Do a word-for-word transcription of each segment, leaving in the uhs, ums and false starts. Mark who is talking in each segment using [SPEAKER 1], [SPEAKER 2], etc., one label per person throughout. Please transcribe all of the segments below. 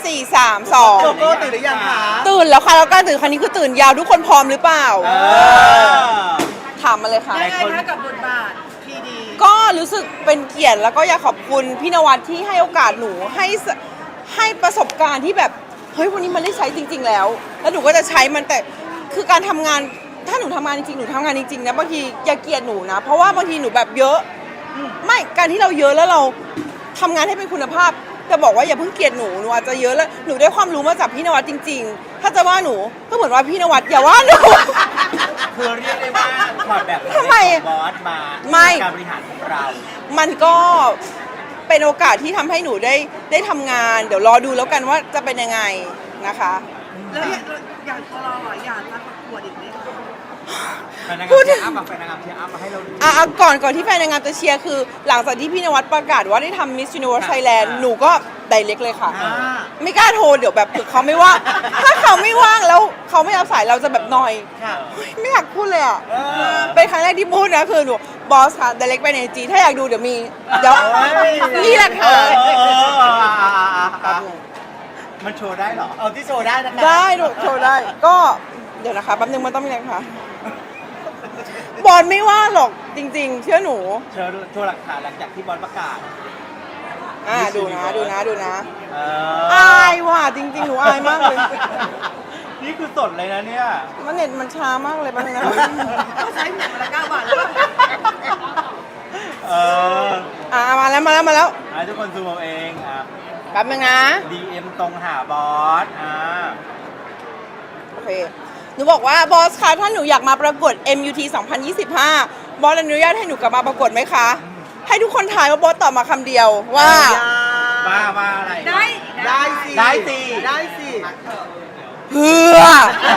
[SPEAKER 1] สี่ สาม สอง
[SPEAKER 2] โกโก้ตื่นหรือยังคะ
[SPEAKER 1] ตื่นแล้วค่ะแล้วการตื่นครั้งนี้คือตื่นยาวทุกคนพร้อมหรือเปล่าถามมาเลยค่ะ
[SPEAKER 3] ยังไงคะกับบทบาทพีดี
[SPEAKER 1] ก็รู้สึกเป็นเกียรติแล้วก็อยากขอบคุณพี่นวัดที่ให้โอกาสหนูให้สให้ประสบการณ์ที่แบบเฮ้ยวันนี้มันได้ใช้จริง ๆ แล้ว แล้วหนูก็จะใช้มันแต่คือการทำงานถ้าหนูทำงานจริงๆหนูทำงานจริงๆนะบางทีอย่าเกลียดหนูนะเพราะว่าบางทีหนูแบบเยอะไม่การที่เราเยอะแล้วเราทำงานให้เป็นคุณภาพจะบอกว่าอย่าเพิ่งเกลียดหนูหนูอาจจะเยอะแล้วหนูได้ความรู้มาจากพี่นวัดจริง ๆ ถ้าจะว่าหนูก็เหมือนว่าพี่นวัดอย่าว่าหนู
[SPEAKER 2] คือเรียกได้ว่าถอดแบบ
[SPEAKER 1] ทำไม
[SPEAKER 2] บอสมา
[SPEAKER 1] ไม่
[SPEAKER 2] การบริหารของเรา
[SPEAKER 1] มันก็เป็นโอกาสที่ทำให้หนูได้ได้ทำงานเดี๋ยวรอดูแล้วกันว่าจะเป็นยังไงนะคะ
[SPEAKER 3] แล้วอย่างตัวเราอ่ะอยากมาประกวดอีกไหมคะ
[SPEAKER 2] แฟนนางงามเชียร์อัพมาแฟนนางงามเชียร์อัพมาให้เราดู
[SPEAKER 1] อ่ะอ่ะก่อนก่อนที่แฟนนางงามจะเชียร์คือหลังจากที่พี่นวัดประกาศว่าได้ทำ Miss Universe Thailand หนูก็ไดเรกเลยค่ะ
[SPEAKER 2] อ่า
[SPEAKER 1] ไม่กล้าโทรเดี๋ยวแบบเผื่อเขาไม่ว่างถ้าเขาไม่ว่างแล้วเขาไม่รับสายเราจะแบบนอย
[SPEAKER 2] ค่ะ
[SPEAKER 1] เฮ้ยไม่อยากพูดเลยอ่ะ
[SPEAKER 2] เออ
[SPEAKER 1] เป็นครั้งแรกที่พูดนะคือหนูบอสค่ะไดเรกไปในจีถ้าอยากดูเดี๋ยวมีเดี๋ยวนี่แหละค่ะ
[SPEAKER 2] เออเออเออเออมันโชว์ได้เหรอ เอาที่โชว์ได้นะคะ
[SPEAKER 1] ได้หนูโชว์ได้ ก็เดี๋ยวนะคะแป๊บนึงมันต้องมีอะไรคะบอลไม่ว่าหรอกจริง ๆ เชื่อหนู
[SPEAKER 2] โชว์โชว์หลักฐานหลังจากที่บอสประกาศ
[SPEAKER 1] อ่าดูนะดูนะดูนะ
[SPEAKER 2] เอ
[SPEAKER 1] อายว่ะจริง ๆ หนูอายมากเลย
[SPEAKER 2] นี่คือสดเลยนะเนี่ย
[SPEAKER 1] มันเน็ตมันช้ามากเลยแป๊บนึงนะ
[SPEAKER 3] เขาใช้หนังมาละเก้าบาทแล้ว
[SPEAKER 2] เออ
[SPEAKER 1] อ่ามาแล้วมาแล้วมาแล้ว
[SPEAKER 2] ให้ทุกคนซูมเอาเองอ่ะ
[SPEAKER 1] แป๊บนึงนะ
[SPEAKER 2] ดี เอ็ม ตรงหาบอส อ่า
[SPEAKER 1] โอเคหนูบอกว่าบอสคะถ้าหนูอยากมาประกวด เอ็ม ยู ที สองพันยี่สิบห้าบอสอนุญาตให้หนูกลับมาประกวดไหมคะ ให้ทุกคนทายว่าบอสตอบมาคำเดียวว่า
[SPEAKER 2] ว่าว่าอะไร
[SPEAKER 3] ได้
[SPEAKER 2] ได้สิ ได้สิ ได้สิ
[SPEAKER 1] เพื่อ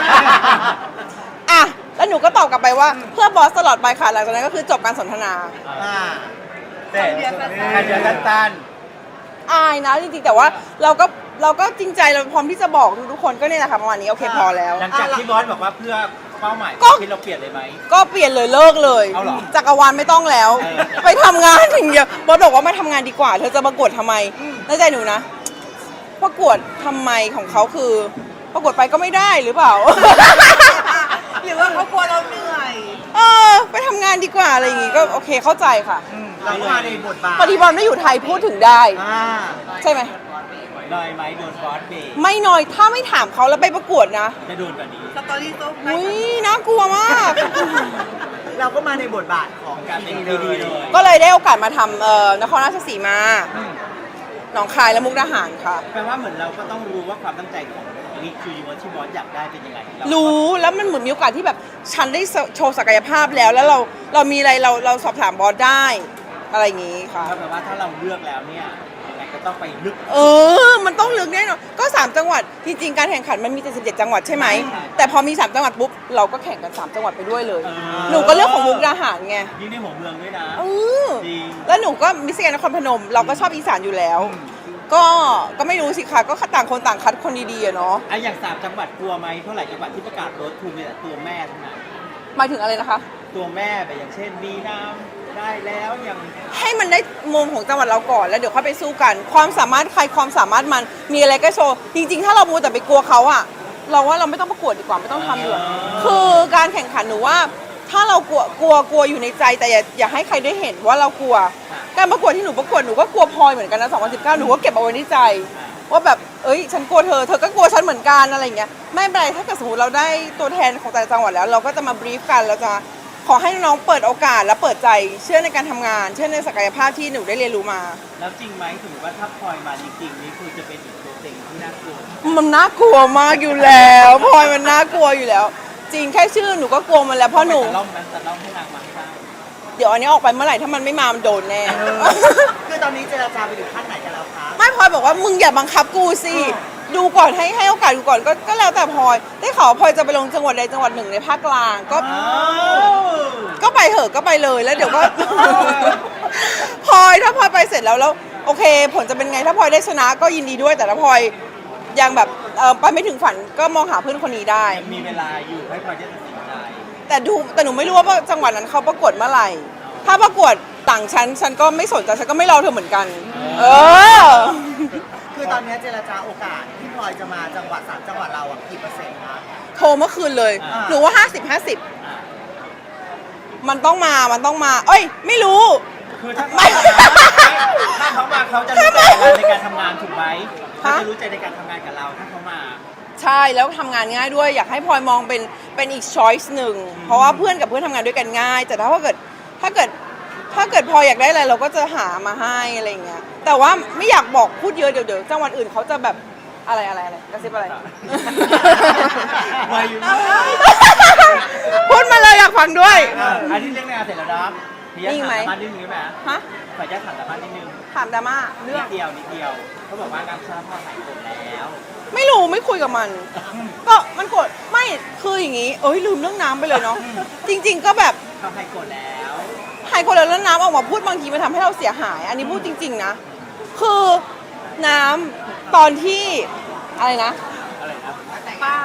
[SPEAKER 1] อ่ะ แล้วหนูก็ตอบกลับไปว่าเพื่อบอสตลอดไปค่ะ หลังจากนั้นก็คือจบการสนทนา
[SPEAKER 2] อ่าแต่แค่เดือนสั้น
[SPEAKER 1] อายนะจริงๆ แต่ว่าเราก็เราก็จริงใจเราพร้อมที่จะบอกทุกๆคนก็เนี่ยแหละค่ะประมาณนี้โอเคพอแล้ว
[SPEAKER 2] ๆหลังจากที่บอสบอกว่าเพื่อเป้าหมาย
[SPEAKER 1] ก็
[SPEAKER 2] ที่เราเปลี่ยนเลยไหม
[SPEAKER 1] ก็เปลี่ยนเลยเลิกเลย
[SPEAKER 2] เอาเหรอ
[SPEAKER 1] จักรวาลไม่ต้องแล้ว
[SPEAKER 2] เออ
[SPEAKER 1] ไปทำงานอย่างเดียวบอสบอกว่ามาทำงานดีกว่า เธอจะประกวดทำไมในใจหนูนะ ประกวดทำไมของเขาคือ ประกวดไปก็ไม่ได้หรือเปล่า
[SPEAKER 3] หรือว่าเขากลัวเราเหนื่อย
[SPEAKER 1] เออไปทำงานดีกว่าอะไรอย่างงี้ก็โอเคเข้าใจค่ะ
[SPEAKER 2] เราก็มาในบทบาท
[SPEAKER 1] พอดีบอลไม่อยู่ไทยพูดถึงได้
[SPEAKER 2] อ่า
[SPEAKER 1] ใช่ไหม
[SPEAKER 2] ลอยไหมโดนบอสเบรก
[SPEAKER 1] ไม่น้อยถ้าไม่ถามเขาแล้วไปประกวดนะ
[SPEAKER 2] จะโดนกว่านี้
[SPEAKER 3] สตอรี่โต๊ะไป
[SPEAKER 1] อุ้ยน่ากลัวมาก
[SPEAKER 2] เราก็มาในบทบาทของการเป็นดีเลย
[SPEAKER 1] ก็เลยได้โอกาสมาทำเอ่อนครราชสีมาหนองคายและมุกดาหารค่ะ
[SPEAKER 2] แปลว่าเหมือนเราก็ต้องรู้ว่าความตั้งใจของมิสยูนิเวิร์สที่บอสอยากได้เป็นยังไงเา
[SPEAKER 1] รู้แล้วมันเหมือนมีโอกาสที่แบบฉันได้โชว์ศักยภาพแล้ว แล้วเราเรามีอะไรเราเราสอบถามบอสได้อะไรอย่างงี้ค่ะ
[SPEAKER 2] ก็แปลว่าถ้าเราเลือกแล้วเนี่ยยังไงก็ต้องไปลึก
[SPEAKER 1] เออ มันต้องลึกแน่นอนก็สามจังหวัดจริงๆการแข่งขันมันมีเจ็ดสิบเจ็ดจังหวัดใช่ไหม
[SPEAKER 2] ใช่
[SPEAKER 1] แต่พอมีสามจังหวัดปุ๊บเราก็แข่งกันสามจังหวัดไปด้วยเลย
[SPEAKER 2] เออ
[SPEAKER 1] หนูก็เลือกของมุกดาหารไง
[SPEAKER 2] ยิ่งในหัวเมืองด้วยนะ
[SPEAKER 1] เออ
[SPEAKER 2] จริง
[SPEAKER 1] แล้วหนูก็มิสแกรนด์นครพนม เราก็ชอบอีสานอยู่แล้ว ก็ก็ไม่รู้สิคะก็ต่างคนต่างคัดคนดีๆอะเนาะ
[SPEAKER 2] ไอ้อย่างสามจังหวัดกลัวไหมเท่าไหร่จังหวัดที่ประกาศรถทูมีแต่ตัวแม่ทั้งนั้น
[SPEAKER 1] หมายถึงอะไรนะคะ
[SPEAKER 2] ตัวแม่แบบอย่างเช่นมีน้ำได้แล้วอย่าง
[SPEAKER 1] ให้มันได้มุมของจังหวัดเราก่อนแล้วเดี๋ยวค่อยไปสู้กัน ความสามารถใครความสามารถมันมีอะไรก็โชว์จริงๆ ถ้าเรามูแต่ไปกลัวเขาอะเราว่าเราไม่ต้องประกวดดีกว่าไม่ต้องทำดีกว่าคือการแข่งขันหนูว่า ถ้าเรากลัวกลัวกลัวอยู่ในใจแต่อย่าอย่าให้ใครได้เห็นว่าเรากลัว การประกวดที่หนูประกวดหนูก็กลัวพลอยเหมือนกันนะสองพันสิบเก้าหนูก็เก็บเอาไว้ในใจ ว่าแบบเอ้ยฉันกลัวเธอเธอก็กลัวฉันเหมือนกันอะไรอย่างเงี้ยไม่เป็นไรถ้าเกิดสมมติเราได้ตัวแทนของแต่ละจังหวัดแล้ว เราก็จะมาบรีฟกันเราจะขอให้น้องๆเปิดโอกาสและเปิดใจเชื่อในการทำงาน เชื่อในศักยภาพที่หนูได้เรียนรู้มา
[SPEAKER 2] แล้วจริงไหมถือว่าถ้าพลอยมาจริงๆนี่คือจะเป็นอีกตัวเต็งที่น่ากลัว
[SPEAKER 1] มันน่ากลัวมากอยู่แล้วพลอยมันน่ากลัวอยู่แล้ว จริงแค่ชื่อหนูก็กลัวมันแล้วเพราะหนู
[SPEAKER 2] จะล่อมนั้นจะล่อมให้นางมาให้ได้
[SPEAKER 1] เดี๋ยวอันนี้ออกไปเมื่อไหร่ถ้ามันไม่มามันโดนแน่
[SPEAKER 2] คือตอนนี้เจรจาไปถึงขั้นไหนกันแล้วคะ
[SPEAKER 1] ไม่พลอยบอกว่ามึงอย่าบังคับกูสิดูก่อนให้ให้โอกาสดูก่อนก็ก็แล้วแต่พลอยได้ข่าวว่าพลอยจะไปลงจังหวัดใดจังหวัดหนึ่งในภาคกลางก็ ก็ไปเหอะก็ไปเลยแล้วเดี๋ยวก็ พลอยถ้าพลอยไปเสร็จแล้วแล้วโอเค ผลจะเป็นไงถ้าพลอยได้ชนะก็ยินดีด้วยแต่ถ้าพลอยยังแบบเออไปไม่ถึงฝันก็มองหาเพื่อนคนนี้ได้
[SPEAKER 2] ยังมีเวลาอยู่ให้พลอยจะตัดสินใจ
[SPEAKER 1] แต่ดูแต่หนูไม่รู้ว่าจังหวัดนั้นเขาประกวดเมื่อไหร่ ถ้าประกวดต่างชั้นฉันก็ไม่สนใจฉันก็ไม่รอเธอเหมือนกัน เออ
[SPEAKER 2] คือตอนนี้เจรจาโอกาสที่พลอยจะมาจังหวัดสามจังหวัดเราอ่ะกี่เปอร์เซ็นต์คะ
[SPEAKER 1] โทรเมื่อคืนเลย
[SPEAKER 2] อ่า
[SPEAKER 1] หนูว่าห้าสิบห้าสิบมันต้องมามันต้องมา เอ้ย ไม่รู้
[SPEAKER 2] คือถ้า
[SPEAKER 1] ไม่
[SPEAKER 2] ถ้าเขามาเขาจะรู้ใจเราในการทำงานถูกไหมเขา
[SPEAKER 1] ฮะ
[SPEAKER 2] จะรู้ใจในการทำงานกับเราถ้าเขามา
[SPEAKER 1] ใช่แล้วทำงานง่ายด้วยอยากให้พลอยมองเป็นเป็นอีกช้อยส์หนึ่งเพราะว่าเพื่อนกับเพื่อนทำงานด้วยกันง่าย แต่ถ้าเกิดถ้าเกิดถ้าเกิดพลอยอยากได้อะไรเราก็จะหามาให้อะไรอย่างเงี้ยแต่ว่าไม่อยากบอกพูดเยอะเดี๋ยวเดี๋ยวจังหวัดอื่นเขาจะแบบอะไรอะไรอะไรกระซิบอะไร
[SPEAKER 2] ไม่อยู่
[SPEAKER 1] พูดมาเลยอยากฟังด้วย
[SPEAKER 2] อ่ะอันนี้เรื่องงานเสร็จแล้วนะพี่
[SPEAKER 1] นิ่งไหม
[SPEAKER 2] ถามสามารถนิดนึงได้ไหม
[SPEAKER 1] ฮะ
[SPEAKER 2] ขออนุญาตถามสามารถนิดนึง
[SPEAKER 1] ถามดราม่าเรื่
[SPEAKER 2] นิ
[SPEAKER 1] อง
[SPEAKER 2] ดเดียวนิดเดียวเขาบอกว่าการชาพ่อหายโกรธแล้ว
[SPEAKER 1] ไม่รู้ไม่คุยกับมัน ก็มันกดไม่คืออย่างงี้เอ้ยลืมเรื่องน้ำไปเลยเนาะจริง ๆ ก็แบบ
[SPEAKER 2] เขาหายโกรธแล้ว
[SPEAKER 1] หายคนแล้วแล้วน้ำออกมาพูดบางทีมันทำให้เราเสียหาย อันนี้พูดจริง ๆ นะ คือน้ำตอนที่อะไรนะ
[SPEAKER 2] อะไรนะ
[SPEAKER 3] เปล่า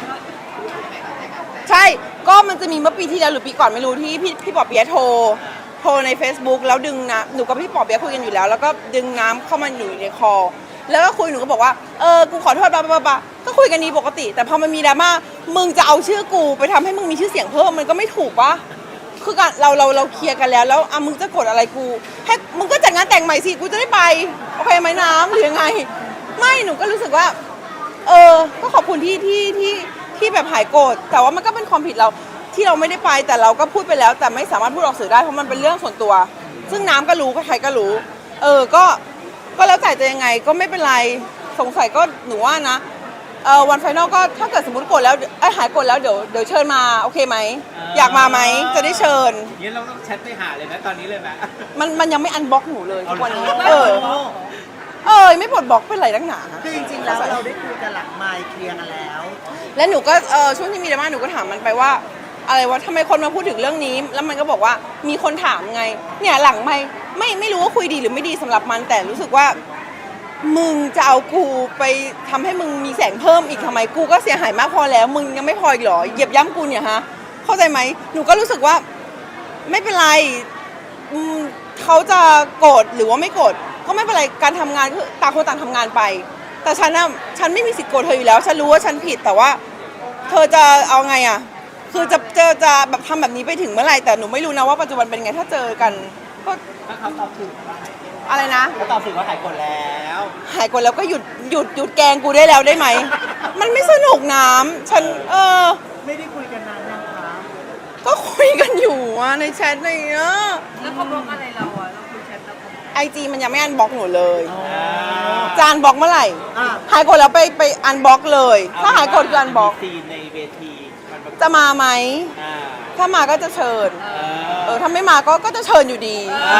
[SPEAKER 1] ใช่ ก็มันจะมีเมื่อปีที่แล้วหรือปีก่อนไม่รู้ที่พี่พี่ปอเปียะโทร โทรใน Facebook แล้วดึงน้ำหนูกับพี่ปอเปียะคุยกันอยู่แล้ว แล้วก็ดึงน้ำเข้ามาอยู่ในคอ แล้วก็คุยหนูก็บอกว่า เออ กูขอโทษบ้าบ้าบ้าก็คุยกันดีปกติ แต่พอมันมีดราม่า มึงจะเอาชื่อกูไปทำให้มึงมีชื่อเสียงเพิ่มมันก็ไม่ถูกปะคือการเราเราเราเคลียร์กันแล้ว แล้วอ่ะมึงจะกดอะไรกูให้มึงก็จัดงานแต่งใหม่สิ กูจะได้ไป โอเคไหมน้ำหรือยังไง ไม่ หนูก็รู้สึกว่า เออ ก็ขอบคุณที่ที่ที่ที่แบบหายโกรธ แต่ว่ามันก็เป็นความผิดเราที่เราไม่ได้ไป แต่เราก็พูดไปแล้ว แต่ไม่สามารถพูดออกสื่อได้เพราะมันเป็นเรื่องส่วนตัว ซึ่งน้ำก็รู้ใครๆก็รู้ เออ ก็ ก็แล้วแต่จะยังไงก็ไม่เป็นไร สงสัยก็หนูว่านะ เออวันไฟนอลก็ถ้าเกิดสมมติโกรธแล้วเอ้ยหายโกรธแล้วเดี๋ยวเดี๋ยวเชิญมาโอเคไหม อยากมาไหมจะได้เชิญ
[SPEAKER 2] งั้นเราต้องแชทไปหาเลยไหมตอนนี้เลยไหม
[SPEAKER 1] มันมันยังไม่อันบล็อกหนูเลยทุกวันนี้
[SPEAKER 2] เอ
[SPEAKER 1] เอ
[SPEAKER 2] อ
[SPEAKER 1] อ เออไม่ปลดบล็อกเป็นไรนักหนา
[SPEAKER 2] คือจริงๆแล้วเราได้คุยกันหลังไมค์เคลียร์กันแล้ว
[SPEAKER 1] แล้วหนูก็เออช่วงที่มีดราม่าหนูก็ถามมันไปว่า อะไรวะทำไมคนมาพูดถึงเรื่องนี้ แล้วมันก็บอกว่ามีคนถามไง เนี่ยหลังไม่ไม่ไม่รู้ว่าคุยดีหรือไม่ดีสำหรับมัน แต่รู้สึกว่า มึงจะเอากูไปทำให้มึงมีแสงเพิ่มอีกทำไมกูก็เสียหายมากพอแล้ว มึงยังไม่พออีกเหรอเหยียบย่ำกูเนี่ยฮะเข้าใจไหมหนูก็รู้สึกว่าไม่เป็นไรอืมเขาจะโกรธหรือว่าไม่โกรธก็ไม่เป็นไรการทำงานคือต่างคนต่างทำงานไป แต่ฉันน่ะฉันไม่มีสิทธิ์โกรธเธออยู่แล้วฉันรู้ว่าฉันผิดแต่ว่า เธอจะเอาไงอ่ะคือจะเจอจะแบบทำแบบนี้ไปถึงเมื่อไหร่แต่หนูไม่รู้นะว่าปัจจุบันเป็นไงถ้าเจอกันก็
[SPEAKER 2] ถ้าเขาตอบถูกว่าหาย
[SPEAKER 1] อะไรนะ
[SPEAKER 2] เขาตอบถูกว่าหายโกรธแล้ว
[SPEAKER 1] หายกดแล้วก็หยุดหยุดหยุดแกล้งกูได้แล้วได้ไหม มันไม่สนุกน้ำฉันเออ
[SPEAKER 2] ไม่ได้คุยกันนานนะคะ
[SPEAKER 1] ก็คุยกันอยู่อะในแชทในเนี้ย
[SPEAKER 3] แล้วเขาบล็อกอะไรเราอ่ะเราคุยแชทแล้วเขาบล็อก
[SPEAKER 1] ไอจีมันยังไม่อันบล็อกหนูเลย
[SPEAKER 2] อ่า
[SPEAKER 1] จานบล็อกเมื่อไหร่
[SPEAKER 2] อ่ะ
[SPEAKER 1] หายกดแล้วไปไปอันบล็อกเลย ถ้าหายกดคืออันบล็อก
[SPEAKER 2] มีซีนในเวทีมันแบบ
[SPEAKER 1] จะมาไหม
[SPEAKER 2] อ่า
[SPEAKER 1] ถ้ามาก็จะเชิญ
[SPEAKER 2] เอ
[SPEAKER 1] เออถ้าไม่มาก็ก็จะเชิญอยู่ดี
[SPEAKER 2] อ่า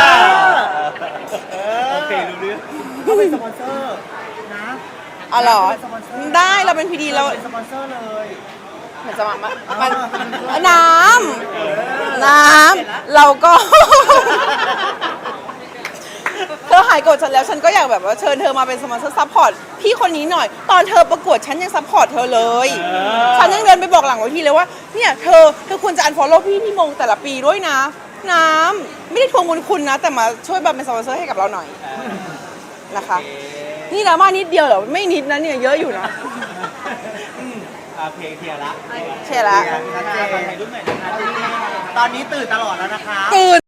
[SPEAKER 2] โอเครู้เรื่องเขาเป็นสปอนเซอร์นะ
[SPEAKER 1] อ๋อเหรอ
[SPEAKER 2] เป็นสปอนเซอร์
[SPEAKER 1] ได้เราเป็นพีดีเรา
[SPEAKER 2] เป็นสปอนเซอร์เลย
[SPEAKER 1] เหมือนจะมามันน้ำน้ำเราก็ เธอหายโกรธฉันแล้วฉันก็อยากแบบว่าเชิญเธอมาเป็นสปอนเซอร์ซัพพอร์ตพี่คนนี้หน่อย ตอนเธอประกวดฉันยังซัพพอร์ตเธอเลย ฉันยังเดินไปบอกหลังเวทีเลยว่าเนี่ยเธอเธอควรจะอันฟอลโล่พี่ที่มงแต่ละปีด้วยนะ น้ำไม่ได้ทวงบุญคุณนะ แต่มาช่วยแบบเป็นสปอนเซอร์ให้กับเราหน่อยนะคะ นี่ดราม่านิดเดียวเหรอไม่นิดนะเนี่ยเยอะอยู่นะ
[SPEAKER 2] อืมโอเคเคลียร์ละ
[SPEAKER 1] เคลียร์ละ
[SPEAKER 2] ชัดเจนถ่ายรูปหน่อยนะคะตอนนี้ตื่นตลอดแล้วนะคะ
[SPEAKER 1] ตื่น